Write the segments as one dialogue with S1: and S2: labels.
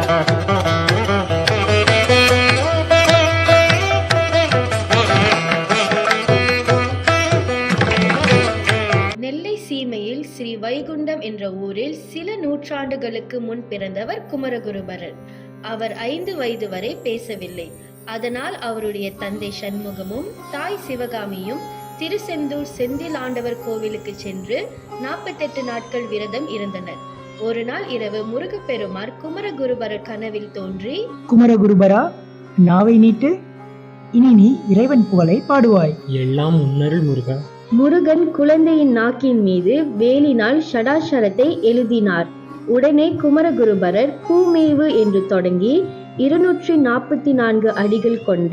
S1: நெல்லை சீமையில் ஸ்ரீ வைகுண்டம் என்ற ஊரில் சில நூற்றாண்டுகளுக்கு முன் பிறந்தவர் குமரகுருபரர். அவர் 5 வயது வரை பேசவில்லை. அதனால் அவருடைய தந்தை சண்முகமும் தாய் சிவகாமியும் திருச்செந்தூர் செந்தில் ஆண்டவர் கோவிலுக்கு சென்று 48 நாட்கள் விரதம் இருந்தனர். ஒரு நாள் இரவு முருகப்பெருமார் குமரகுருபரர் கனவில் தோன்றி,
S2: குமரகுருபரா, நாவை நீட்டு, இனி நீ இறைவன் புகழை பாடுவாய்.
S3: எல்லாம் உன்னருள் முருகா.
S1: முருகன் குழந்தையின் நாக்கின் மீது வேலினால் ஷடாஷரத்தை எழுதினார். உடனே குமரகுருபரர் கூமேவு என்று தொடங்கி 244 அடிகள் கொண்ட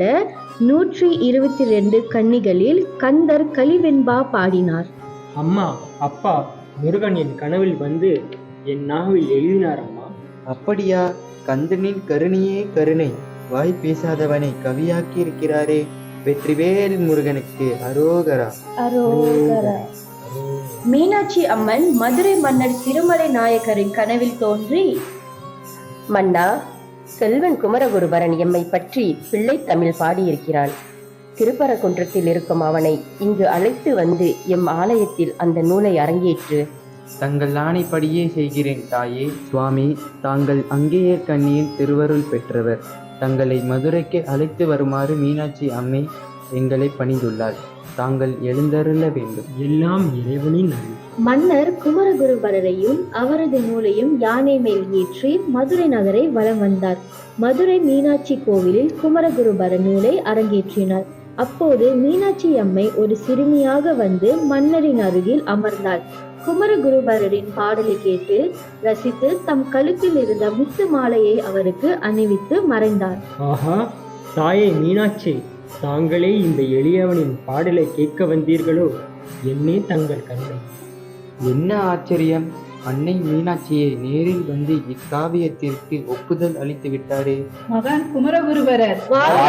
S1: 122 கன்னிகளில் கந்தர் கலிவெண்பா பாடினார்.
S3: அம்மா, அப்பா, முருகன் என் கனவில் வந்து என் நாவில் எழுதினார் அம்மா.
S4: அப்படியா? கந்தனின் கருணையே கருணை, வாய் பேசாதவனை கவியாக்கி இருக்கிறாரே. வெற்றிவேல் முருகனுக்கு அரோகரா.
S1: அரோகரா. மீனாட்சி அம்மன் மதுரை மன்னர் திருமலை நாயக்கரின் கனவில் தோன்றி,
S5: மன்னா, செல்வன் குமரகுருபரன் எம்மை பற்றி பிள்ளை தமிழ் பாடியிருக்கிறான். திருப்பரங்குன்றத்தில் இருக்கும் அவனை இங்கு அழைத்து வந்து எம் ஆலயத்தில் அந்த நூலை அரங்கேற்று.
S4: தங்கள் ஆணைப்படியே செய்கிறேன் தாயே. சுவாமி, தாங்கள் அங்கேயே கண்ணியின் திருவருள் பெற்றவர். தங்களை மதுரைக்கு அழைத்து வருமாறு மீனாட்சி அம்மை எங்களை பணிந்துள்ளார். தாங்கள் எழுந்தருள வேண்டும்.
S3: எல்லாம் இறைவனின் அருள்.
S1: மன்னர் குமரகுருபரரையும் அவரது நூலையும் யானை மேல் ஏற்றி மதுரை நகரை வலம் வந்தார். மதுரை மீனாட்சி கோவிலில் குமரகுருபர நூலை அரங்கேற்றினார். அப்போது மீனாட்சி அம்மை ஒரு சிறுமியாக வந்து மன்னரின் அருகில் அமர்ந்தாள். குமரகுருபரரின் பாடலை கேட்டு ரசித்து தம் கழுத்தில் இருந்த முத்து மாலையை அவருக்கு அணிவித்து மறைந்தார்.
S3: ஆஹா, தாயே மீனாட்சி, தாங்களே இந்த எளியவனின் பாடலை கேட்க வந்தீர்களோ? என்னே தங்கள் கருணை.
S4: என்ன ஆச்சரியம்! அன்னை மீனாட்சியை நேரில் வந்து இக்காவியத்திற்கு ஒப்புதல் அளித்து விட்டாரே.
S6: மகன் குமரகுருபரர்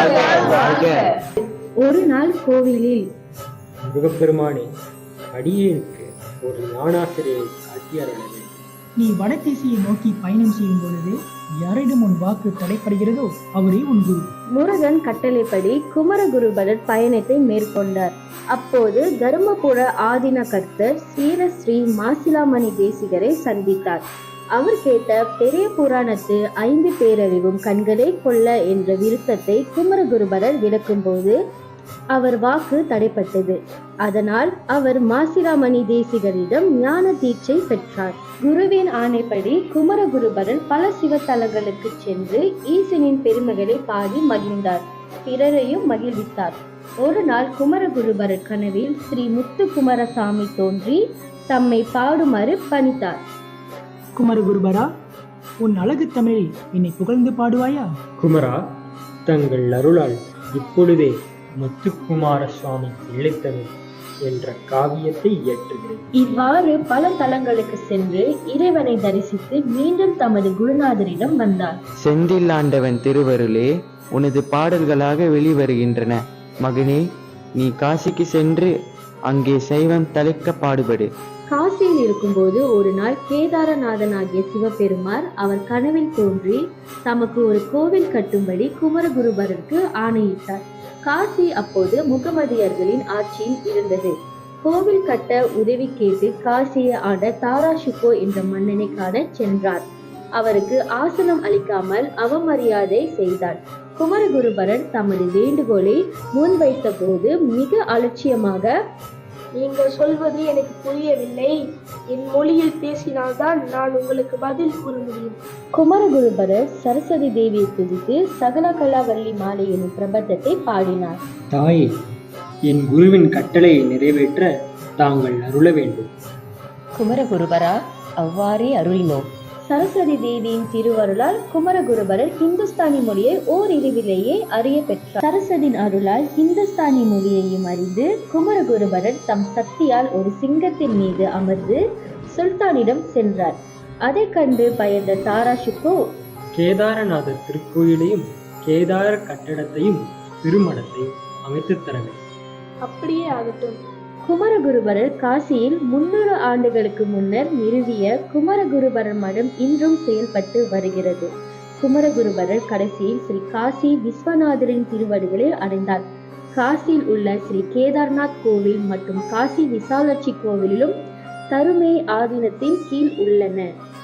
S1: ஒரு நாள் கோவிலில்,
S3: முருகப்பெருமானே, அடியேனுக்கு ஒரு ஞானாசிரியை காட்டியருளவே.
S2: நீ வடதிசையை நோக்கி பயணம் செய்யும் பொழுது யாரிடம் உன் வாக்கு தடைப்படுகிறதோ அவரே உன் குரு.
S1: முருகன் கட்டளைப்படி குமரகுருபரர் பயணத்தை மேற்கொண்டார். அப்போது தருமபுர ஆதீன கர்த்தர் ஸ்ரீ மாசிலாமணி தேசிகரை சந்தித்தார். அவர் கேட்ட பெரிய புராணத்து 5 பேரறிவும் கண்களே கொள்ள என்ற விருத்தத்தை குமரகுருபரர் விளக்கும்போது அவர் வாக்கு தடைப்பட்டது. அதனால் அவர் மாசிலாமணி தேசிகரிடம் ஞான தீட்சை பெற்றார். குருவின் ஆணைப்படி குமரகுருபரர் பல சிவத்தலங்களுக்கு சென்று ஈசனின் பெருமைகளை பாடி மகிழ்ந்தார். பிறரையும் மகிழ்வித்தார். ஒரு நாள் குமரகுருபரர் கனவில் ஸ்ரீ முத்துக்குமாரசாமி தோன்றி தம்மை பாடுமாறு பணித்தார்.
S2: குமரகுருபரா, உன் அழகு தமிழில் என்னை புகழ்ந்து பாடுவாயா?
S3: குமரா, தங்கள் அருளால் இப்பொழுதே முத்துக்குமார சுவாமி பிள்ளைத்தமிழ் என்ற காவியத்தை இயற்றுகிறேன்.
S1: இவ்வாறு பல தலங்களுக்கு சென்று இறைவனை தரிசித்து மீண்டும் தமது குருநாதரிடம் வந்தார்.
S4: செந்தில் ஆண்டவன் திருவருளே உனது பாடல்களாக வெளிவருகின்றன. மகனே, நீ காசிக்கு சென்று அங்கே சைவம் தலைக்க பாடுபடு.
S1: காசியில் இருக்கும்போது ஒரு நாள் கேதாரநாதனாகிய சிவபெருமார் அவர் கனவில் தோன்றி தமக்கு ஒரு கோவில் கட்டும்படி குமரகுருபரருக்கு ஆணையிட்டார். காசி அப்போது முகமதியர்களின் ஆட்சியில் இருந்தது. கோவில் கட்ட உதவி கேட்டு காசியை ஆண்ட தாராஷுகோ என்ற மன்னனை காண சென்றார். அவருக்கு ஆசனம் அளிக்காமல் அவமரியாதை செய்தார். குமரகுருபரர் தமது வேண்டுகோளை முன்வைத்த போது மிக அலட்சியமாக,
S7: நீங்கள் சொல்வது எனக்கு புரியவில்லை. என் மொழியில் பேசினால்தான் நான் உங்களுக்கு பதில் கூற முடியும்.
S1: குமரகுருபரர் சரஸ்வதி தேவியை துதித்து சகலகலாவல்லி மாலை எனும் பிரபந்தத்தை பாடினார்.
S3: தாயே, என் குருவின் கட்டளையை நிறைவேற்ற தாங்கள் அருள வேண்டும்.
S5: குமரகுருபரா, அவ்வாறே அருளினோம்.
S1: சரஸ்வதி தேவியின் திருவருளால் குமரகுருபரர் ஹிந்துஸ்தானி மொழியை ஓரிரவிலேயே அறிய பெற்றார். சரஸ்வதியின் அருளால் ஹிந்துஸ்தானி மொழியையும் அறிந்து குமரகுருபரர் தம் சக்தியால் ஒரு சிங்கத்தின் மீது அமர்ந்து சுல்தானிடம் சென்றார். அதை கண்டு பயந்த தாராஷுகோ,
S3: கேதாரநாதர் திருக்கோயிலையும் கேதார கட்டடத்தையும் திருமணத்தையும் அமைத்து தர வேண்டும்.
S7: அப்படியே ஆகட்டும்.
S1: குமரகுருபரர் காசியில் 300 ஆண்டுகளுக்கு முன்னர் நிறுவிய குமரகுருபரர் மடம் இன்றும் செயல்பட்டு வருகிறது. குமரகுருபரர் கடைசியில் ஸ்ரீ காசி விஸ்வநாதரின் திருவடிகளை அடைந்தார். காசியில் உள்ள ஸ்ரீ கேதார்நாத் கோவில் மற்றும் காசி விசாலாட்சி கோவிலும் தருமே ஆதீனத்தின் கீழ் உள்ளன.